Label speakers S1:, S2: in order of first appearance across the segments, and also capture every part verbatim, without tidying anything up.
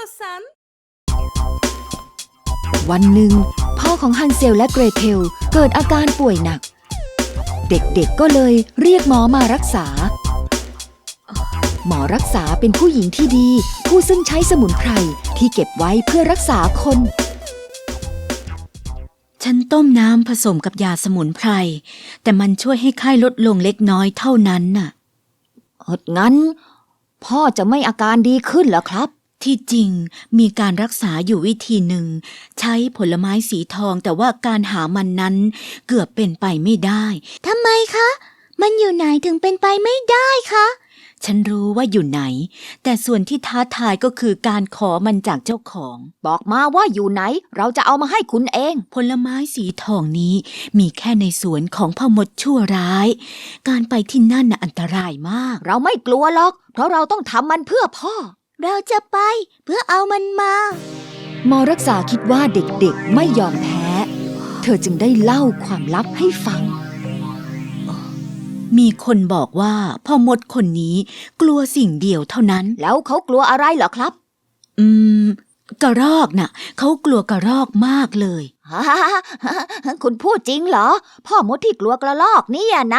S1: istiyorsan.
S2: วันหนึ่งพ่อของฮันเซลและเกรเทลเกิดอาการป่วยหนักเด็กๆก็เลยเรียกหมอมารักษาหมอรักษาเป็นผู้หญิงที่ดีผู้ซึ่งใช้สมุนไพรที่เก็บไว้เพื่อรักษาคน
S3: ฉันต้มน้ำผสมกับยาสมุนไพรแต่มันช่วยให้ไข้ลดลงเล็กน้อยเท่านั้นน่ะ
S2: เอองั้นพ่อจะไม่อาการดีขึ้นเหรอครับ
S3: ที่จริงมีการรักษาอยู่วิธีหนึ่งใช้ผลไม้สีทองแต่ว่าการหามันนั้นเกือบเป็นไปไม่ได้
S4: ทำไมคะมันอยู่ไหนถึงเป็นไปไม่ได้คะ
S3: ฉันรู้ว่าอยู่ไหนแต่ส่วนที่ท้าทายก็คือการขอมันจากเจ้าของ
S2: บอกมาว่าอยู่ไหนเราจะเอามาให้คุณเอง
S3: ผลไม้สีทองนี้มีแค่ในสวนของพ่อมดชั่วร้ายการไปที่นั่นน่ะอันตรายมาก
S2: เราไม่กลัวหรอกเพราะเราต้องทำมันเพื่อพ่อ
S4: เราจะไปเพื่อเอามันมา
S2: หมอรักษาคิดว่าเด็กๆไม่ยอมแพ้เธอจึงได้เล่าความลับให้ฟัง
S3: มีคนบอกว่าพ่อมดคนนี้กลัวสิ่งเดียวเท่านั้น
S2: แล้วเขากลัวอะไรเหรอครับ
S3: อืมกระรอกน่ะเขากลัวกระรอกมากเลย
S2: คุณพูดจริงเหรอพ่อมดที่กลัวกระรอกนี่นะ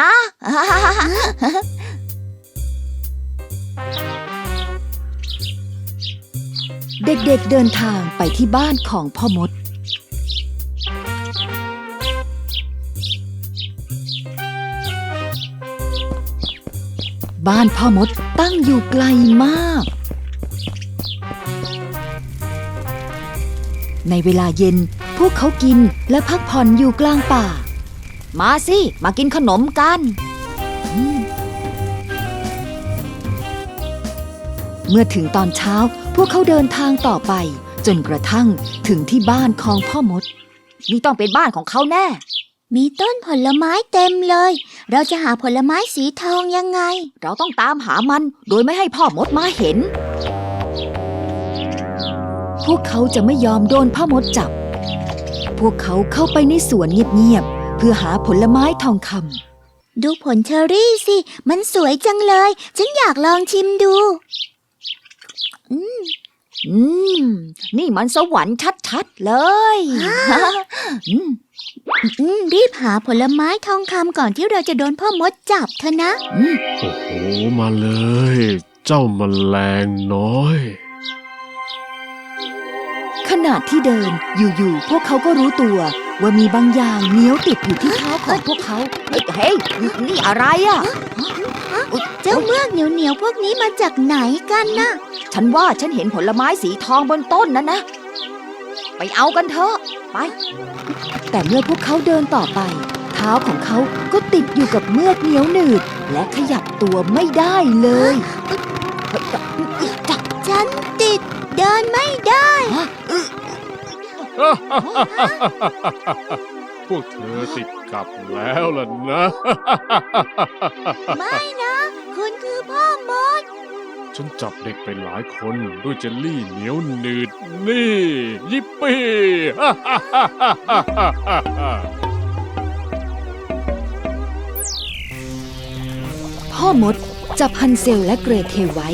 S2: เด็กๆ เ, เดินทางไปที่บ้านของพ่อมดบ้านพ่อมดตั้งอยู่ไกลมากในเวลาเย็นพวกเขากินและพักผ่อนอยู่กลางป่ามาสิมากินขนมกันเมื่อถึงตอนเช้าพวกเขาเดินทางต่อไปจนกระทั่งถึงที่บ้านของพ่อมดนี่ต้องเป็นบ้านของเขาแน่
S4: มีต้นผลไม้เต็มเลยเราจะหาผลไม้สีทองยังไง
S2: เราต้องตามหามันโดยไม่ให้พ่อมดมาเห็นพวกเขาจะไม่ยอมโดนพ่อมดจับพวกเขาเข้าไปในสวนเงียบๆเพื่อหาผลไม้ทองค
S4: ำดูผลเชอร์รี่สิมันสวยจังเลยฉันอยากลองชิมดู
S2: อืมอืมนี่มันสวรรค์ชัดๆเลย
S4: อืมอืมรีบหาผลไม้ทองคำก่อนที่เราจะโดนพ่อมดจับเถอะนะ
S5: โอ้โหมาเลยเจ้าแมลงน้อย
S2: ขณะที่เดินอยู่ๆพวกเขาก็รู้ตัวว่ามีบางอย่างเหนียวติดอยู่ที่เท้าของพวกเขาเฮ้ยนี่อะไรอ่ะ
S4: เจ้าเมือกเหนียวๆพวกนี้มาจากไหนกันนะ
S2: ฉันว่าฉันเห็นผลไม้สีทองบนต้นนั้นนะไปเอากันเถอะไปแต่เมื่อพวกเขาเดินต่อไปเท้าของเขาก็ติดอยู่กับเมือกเหนียวหนืดและขยับตัวไม่ได้เลย
S4: ฉันติดเดินไม่ได้
S5: พวกเธอติดกับแล้วล่ะนะ
S4: ไม่นะคุณคือพ่อมด
S5: ฉันจับเด็กไปหลายคนด้วยเจลลี่เหนียวหนืดนี่ยิปปี้
S2: พ่อมดจับฮันเซลและเกรเทลไว้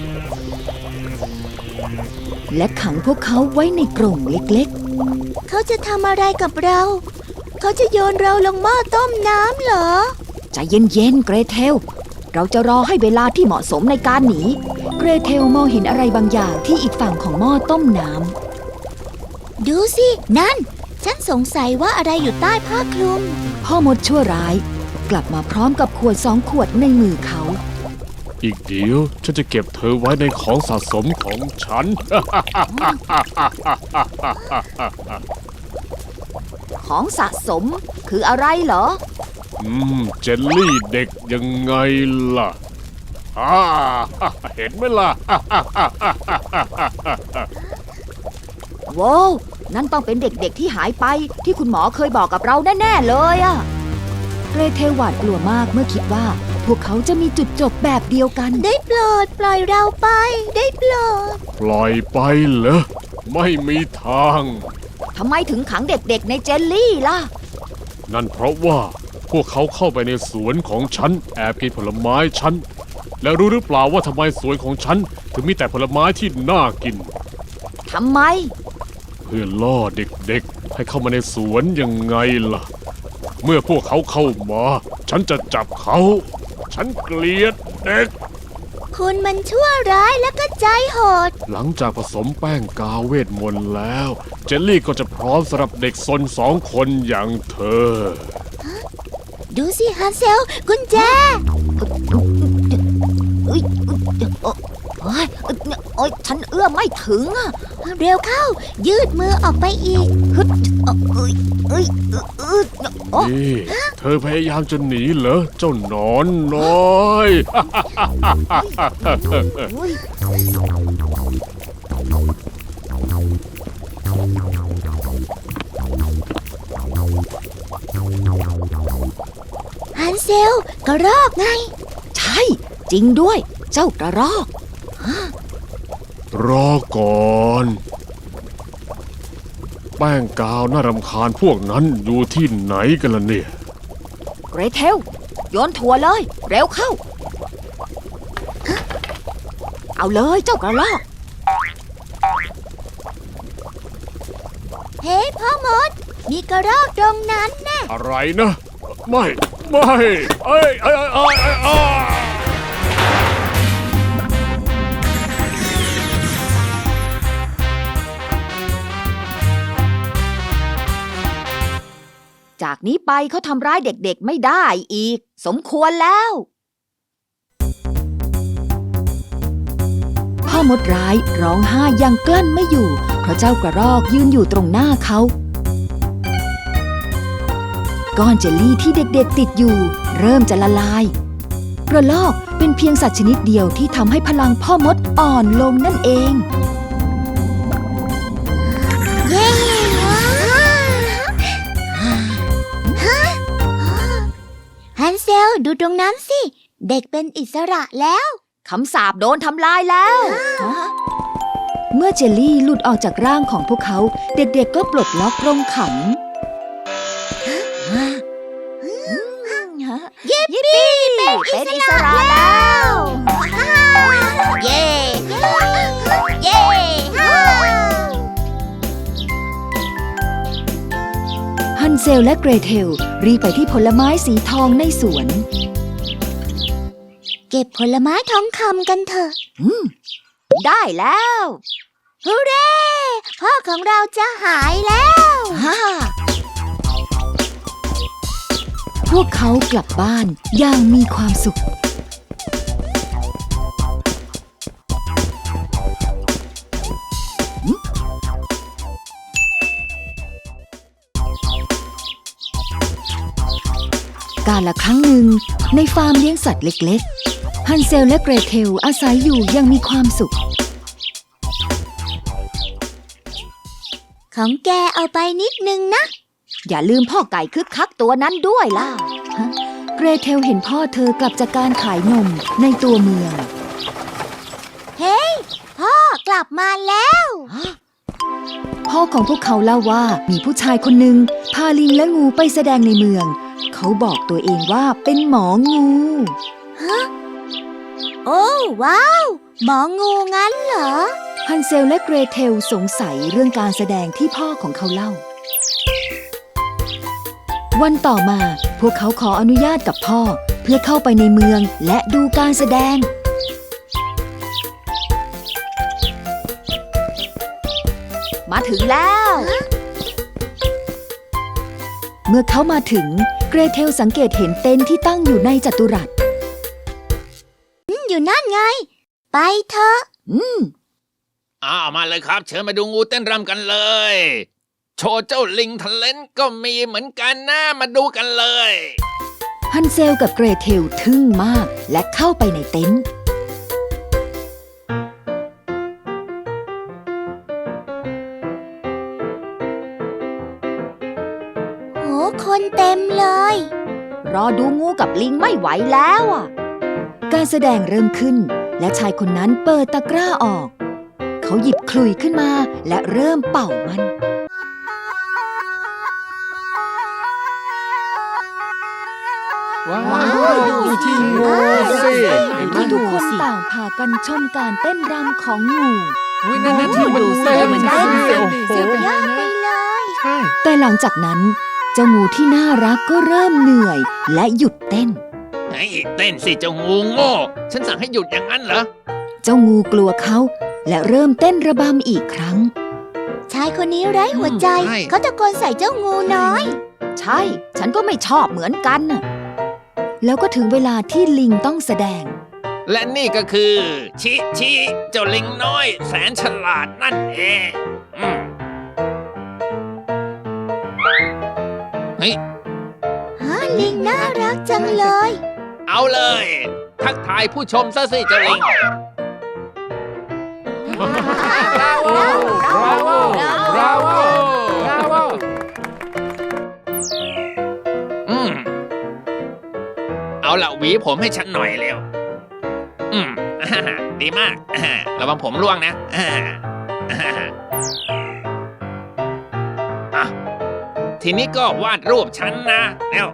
S2: และขังพวกเขาไว้ในกรงเล็ก
S4: ๆเขาจะทำอะไรกับเราเขาจะโยนเราลงหม้อต้มน้ำเหรอ
S2: ใจเย็นๆเกรเทลเราจะรอให้เวลาที่เหมาะสมในการหนีเกรเทลมองเห็นอะไรบางอย่างที่อีกฝั่งของหม้อต้มน้
S4: ำดูสินั่นฉันสงสัยว่าอะไรอยู่ใต้ผ้าคลุม
S2: พ่อมดชั่วร้ายกลับมาพร้อมกับขวดสองขวดในมือเขา
S5: อีกเดี๋ยวฉันจะเก็บเธอไว้ในของสะสมของฉัน
S2: ของสะสมคืออะไรเหรอ
S5: อืมเจลลี่เด็กยังไงล่ะฮ่าเห็นไหมล่ะ
S2: ว้าวนั่นต้องเป็นเด็กๆที่หายไปที่คุณหมอเคยบอกกับเราแน่ๆเลยอะเกรเทลหวาดกลัวมากเมื่อคิดว่าพวกเขาจะมีจุดจบแบบเดียวกัน
S4: ได้โปรดปล่อยเราไปได้โปรด
S5: ปล่อยไปเหรอไม่มีทาง
S2: ทำไมถึงขังเด็กๆในเจลลี่ล่ะ
S5: นั่นเพราะว่าพวกเขาเข้าไปในสวนของฉันแอบกินผลไม้ฉันแล้วรู้หรือเปล่าว่าทำไมสวนของฉันถึงมีแต่ผลไม้ที่น่ากิน
S2: ทำไม
S5: เพื่อล่อเด็กๆ ให้เข้ามาในสวนยังไงล่ะ เมื่อพวกเขาเข้ามา ฉันจะจับเขา ฉันเกลียดเด็ก
S4: คุณมันชั่วร้ายแล้วก็ใจโหด
S5: หลังจากผสมแป้งกาวเวทมนต์แล้ว เจลลี่ก็จะพร้อมสำหรับเด็กซนสองคนอย่างเธอ
S4: ดูสิฮันเซลกุญแจเอ้ยโอ้ยโอ้ยฉันเอื้อมไม่ถึงอะเร็วเข้า ยืดมือออกไปอีกฮึดเอ้ยเอ้ยเอ้ยโอ้
S5: นี่ เธอพยายามจะหนีเหรอ เจ้าหนอนน้อย
S4: ยฮันเซลกระรอกไง
S2: ใช่ จริงด้วย เจ้ากระรอก
S5: รอก่อน แป้งกาวน่ารำคาญพวกนั้นอยู่ที่ไหนกันล่ะเนี่ย
S2: เกรเทลโยนถั่วเลย เร็วเข้า เอาเลยเจ้ากระรอก
S4: เฮ้พ่อมด มีกระรอกตรงนั้นนะ
S5: อะไรนะ ไม่ ไม่เอ้ยเอ้ยเอ้ยเอ้ยเอ้ย
S2: จากนี้ไปเขาทำร้ายเด็กๆไม่ได้อีก สมควรแล้ว พ่อมดร้ายร้องไห้ยังกลั้นไม่อยู่เพราะเจ้ากระรอกยืนอยู่ตรงหน้าเขาก้อนเจลลี่ที่เด็กๆติดอยู่เริ่มจะละลายกระรอกเป็นเพียงสัตว์ชนิดเดียวที่ทำให้พลังพ่อมดอ่อนลงนั่นเอง
S4: เย้ฮันเซลดูตรงนั้นสิ เด็กเป็นอิสระแล้ว
S2: คำสาปโดนทำลายแล้ว เมื่อเจลลี่หลุดออกจากร่างของพวกเขา เด็กๆก็ปลดล็อกกรงขัง
S4: ยิปปี้เป็นอิสระแล้ว เย้เย้
S2: ฮันเซลและเกรเทลรีบไปที่ผลไม้สีทองในสวน
S4: เก็บผลไม้ทองคำกันเถอะ
S2: อืม ได้แล้ว
S4: ฮูเร่ พ่อของเราจะหายแล้ว
S2: ฮ่าพวกเขากลับบ้านอย่างมีความสุข กาลครั้งหนึ่งในฟาร์มเลี้ยงสัตว์เล็กๆ ฮันเซลและเกรเทลอาศัยอยู่อยังมีความสุข
S4: ของแกเอาไปนิดนึงนะ
S2: อย่าลืมพ่อไก่คึกคักตัวนั้นด้วยล่ะฮะเกรเทลเห็นพ่อเธอกลับจากการขายนมในตัวเมือง
S4: เฮ้ย พ่อกลับมาแล้ว
S2: พ่อของพวกเขาเล่าว่ามีผู้ชายคนหนึ่งพาลิงและงูไปแสดงในเมือง เขาบอกตัวเองว่าเป็นหมองู
S4: โอ้ว้าว หมองูงั้นเหรอ
S2: ฮันเซลและเกรเทลสงสัยเรื่องการแสดงที่พ่อของเขาเล่า วันต่อมาพวกเขาขออนุญาตกับพ่อเพื่อเข้าไปในเมืองและดูการแสดง มาถึงแล้ว เมื่อเขามาถึงเกรเทลสังเกตเห็นเต็นท์ที่ตั้งอยู่ในจัตุรัส
S4: อยู่นั่นไง ไปเถอะ
S2: อืม
S1: อ้าวมาเลยครับ เชิญมาดูงูเต้นรำกันเลย โชว์เจ้าลิงทะเลนก็มีเหมือนกันนะมาดูกันเลย
S2: ฮันเซลกับเกรเทลทึ่งมากและเข้าไปในเต็นท์
S4: โห คนเต็มเลย
S2: รอดูงูกับลิงไม่ไหวแล้วอ่ะ การแสดงเริ่มขึ้นและชายคนนั้นเปิดตะกร้าออก เขาหยิบขลุ่ยขึ้นมาและเริ่มเป่ามัน
S5: ว้าวดูที่งูสิเห็นไหม
S2: ที่ทุกคนต่างพากันชมการเต้นรำของงู
S1: อุ้ยนั่นนั่นที่มัน
S3: ดูสิ
S1: เต้น
S3: มัน
S1: ใช่
S3: เต้น
S1: โอ้โห
S4: สุดยอดไปเลย
S1: ใช่
S2: แต่หลังจากนั้น เจ้างูที่น่ารักก็เริ่มเหนื่อยและหยุดเต้น
S1: ไอ้เต้นสิเจ้างูโง่ฉันสั่งให้หยุดอย่างนั้นเหรอ
S2: เจ้างูกลัวเขาและเริ่มเต้นระบำอีกครั้ง
S4: ชายคนนี้ไร้หัวใจ
S1: ใช่
S4: เขาตะโกนใส่เจ้างูน้อย
S2: ใช่ ฉันก็ไม่ชอบเหมือนกันน่ะแล้วก็ถึงเวลาที่ลิงต้องแสดง
S1: และนี่ก็คือ ชิชิเจ้าลิงน้อย แสนฉลาดนั่นเองอืมเฮ้ย
S4: ฮะลิงน่ารักจังเลย
S1: เอาเลย ทักทายผู้ชมซะสิเจ้าลิง
S5: Bravo! Bravo! Bravo!
S1: อืมเอาละหวีผมให้ฉันหน่อยเร็ว อืม อ่าดีมาก อ่าระวังผมร่วงนะ อ่าอ่าอ่ะทีนี้ก็วาดรูปฉันนะเร็ว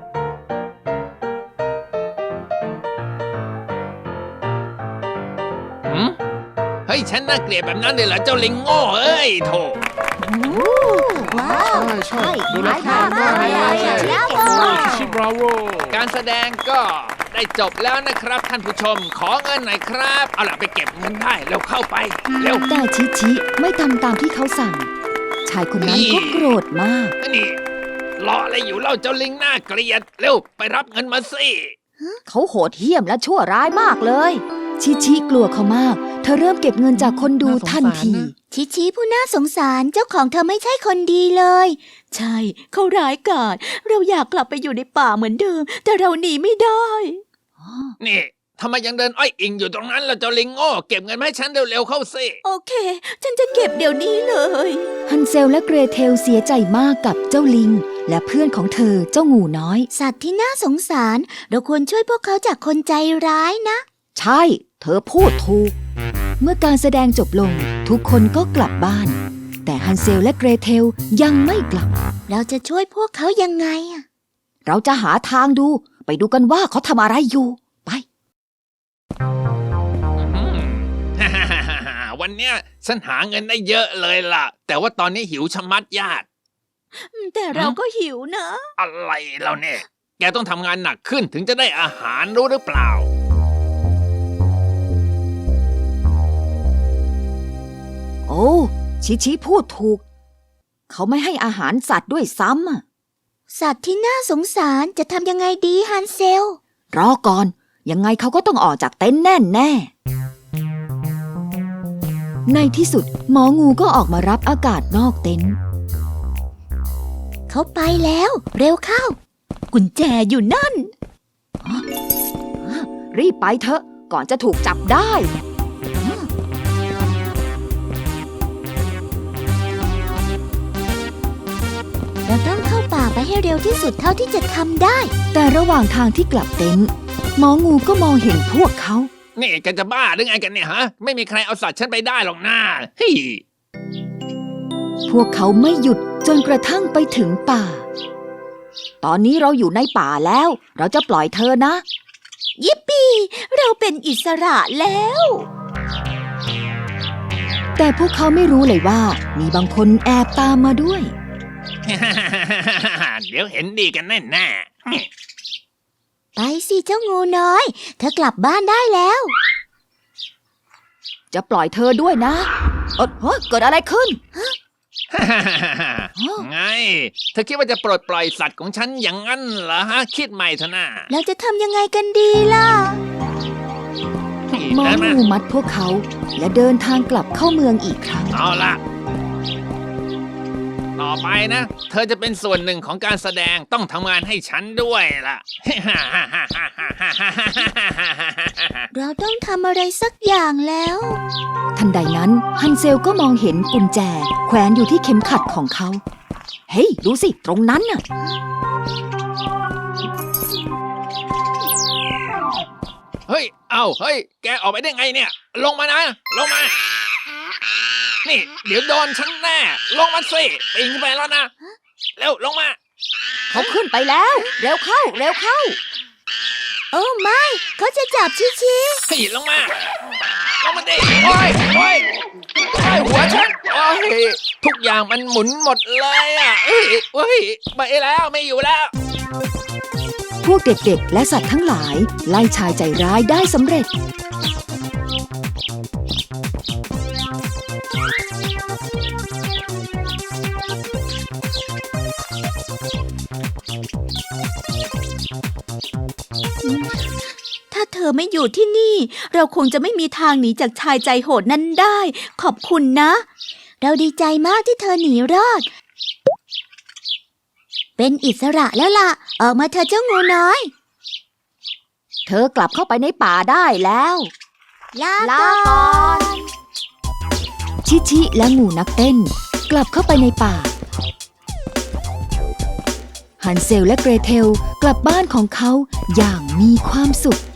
S1: หืมเฮ้ย ฉันน่าเกลียดแบบนั้นเลยเหรอเจ้าลิงโง่เอ้ยโถ
S4: ว้าว
S5: ใช่ดูแล
S4: มากมากเลย
S5: ใช่
S4: เชียว
S5: ชิ Bravo
S1: การแสดงก็ได้จบแล้วนะครับท่านผู้ชม ขอเงินหน่อยครับ เอาล่ะไปเก็บเงินได้เร็วเข้าไป เร็ว
S2: แต่ชิชิไม่ทำตามที่เขาสั่ง ชายคนนั้นก็โกรธมาก
S1: นี่รออะไรอยู่เล่าเจ้าลิงหน้าเกลียด เร็วไปรับเงินมาสิ
S2: เขาโหดเหี้ยมและชั่วร้ายมากเลย ชิชิกลัวเขามาก เธอเริ่มเก็บเงินจากคนดูทันที
S4: ชิชิผู้น่าสงสารเจ้าของเธอไม่ใช่คนดีเลย
S3: ใช่ เขาร้ายกาจเราอยากกลับไปอยู่ในป่าเหมือนเดิม แต่เราหนีไม่ได้
S1: นี่ทำไมยังเดินอ้อยอิงอยู่ตรงนั้นล่ะเจ้าลิงโง่เก็บเงินมาให้ฉันเร็วๆเข้าสิ
S3: โอเค ฉันจะเก็บเดี๋ยวนี้เลย
S2: ฮันเซลและเกรเทลเสียใจมากกับเจ้าลิง และเพื่อนของเธอเจ้างูน้อย
S4: สัตว์ที่น่าสงสาร เราควรช่วยพวกเขาจากคนใจร้ายนะ
S2: ใช่ เธอพูดถูก เมื่อการแสดงจบลง ทุกคนก็กลับบ้าน แต่ฮันเซลและเกรเทลยังไม่กลับ
S4: เราจะช่วยพวกเขายังไงอะ
S2: เราจะหาทางดู ไปดูกันว่าเขาทำอะไรอยู่ ไป
S1: อืม วันเนี้ยฉันหาเงินได้เยอะเลยล่ะ แต่ว่าตอนนี้หิวชะมัดญาติ
S3: แต่เราก็หิวนะ
S1: อะไรเราเนี่ย แกต้องทำงานหนักขึ้นถึงจะได้อาหารรู้หรือเปล่า
S2: โอ้ ชิชิพูดถูก เขาไม่ให้อาหารสัตว์ด้วยซ้ำอะ
S4: สัตว์ที่น่าสงสารจะทำยังไงดีฮันเซล
S2: รอก่อน ยังไงเขาก็ต้องออกจากเต็นท์แน่แน่ในที่สุด หมองูก็ออกมารับอากาศนอกเต็นท์
S4: เขาไปแล้ว เร็วเข้า
S3: กุญแจอยู่นั่น
S2: รีบไปเถอะ ก่อนจะถูกจับได้
S4: เราต้องเข้าป่าไปให้เร็วที่สุดเท่าที่จะทำได้
S2: แต่ระหว่างทางที่กลับเต็นท์หมองูก็มองเห็นพวกเขา
S1: นี่แกจะบ้าหรือไงกันเนี่ยฮะ ไม่มีใครเอาสัตว์ฉันไปได้หรอกนะเฮ้ย
S2: พวกเขาไม่หยุดจนกระทั่งไปถึงป่า ตอนนี้เราอยู่ในป่าแล้ว เราจะปล่อยเธอนะ
S3: ยิปปี้ เราเป็นอิสระแล้ว
S2: แต่พวกเขาไม่รู้เลยว่า มีบางคนแอบตามมาด้วย
S1: เดี๋ยวเห็นดีกันแน่แน่
S4: ไปสิเจ้างูน้อย เธอกลับบ้านได้แล้ว
S2: จะปล่อยเธอด้วยนะเออเฮ้ยเกิดอะไรขึ้น
S1: ไง เธอคิดว่าจะปลดปล่อยสัตว์ของฉันอย่างนั้นเหรอฮะ คิดใหม่เถอะนะ
S4: เราจะทำยังไงกันดีล่ะ
S2: หมอ
S1: เดินมา
S2: งูมัดพวกเขา และเดินทางกลับเข้าเมืองอีกครั้ง
S1: เอาละต่อไปนะ เธอจะเป็นส่วนหนึ่งของการแสดงต้องทำงานให้ฉันด้วยล่ะ
S4: เราต้องทำอะไรสักอย่างแล้ว
S2: ทันใดนั้นฮันเซลก็มองเห็นกุญแจ แขวนอยู่ที่เข็มขัดของเขา เฮ้ย ดูสิ ตรงนั้นน่ะ
S1: เฮ้ย เอาเฮ้ย แกออกไปได้ไงเนี่ย ลงมานะ ลงมา นี่ เดี๋ยวโดนฉันแน่ ลงมาสิปีนขึ้นไปแล้วนะ เร็ว ลงมา
S2: เขาขึ้นไปแล้ว เร็วเข้า เร็วเข้า
S4: โอ้ไม่ เขาจะจับชิชิ
S1: เฮ้ย ลงมา ลงมาดิ โอ้ยโอ้ยโอ้ยหัวฉันโอ้ยทุกอย่างมันหมุนหมดเลยอ่ะเอ้ยเอ้ยไปแล้วไม่อยู่แล้ว
S2: พวกเด็กๆ และสัตว์ทั้งหลายไล่ชายใจร้ายได้สำเร็จ
S3: ถ้าเธอไม่อยู่ที่นี่ เราคงจะไม่มีทางหนีจากชายใจโหดนั้นได้ ขอบคุณนะ
S4: เราดีใจมากที่เธอหนีรอด เป็นอิสระแล้วล่ะ ออกมาเธอะเจ้างูน้อย
S2: เธอกลับเข้าไปในป่าได้แล้ว
S4: ลาก่อน
S2: ชิชิและงูนักเต้น กลับเข้าไปในป่า ฮันเซลและเกรเทลกลับบ้านของเขาอย่างมีความสุข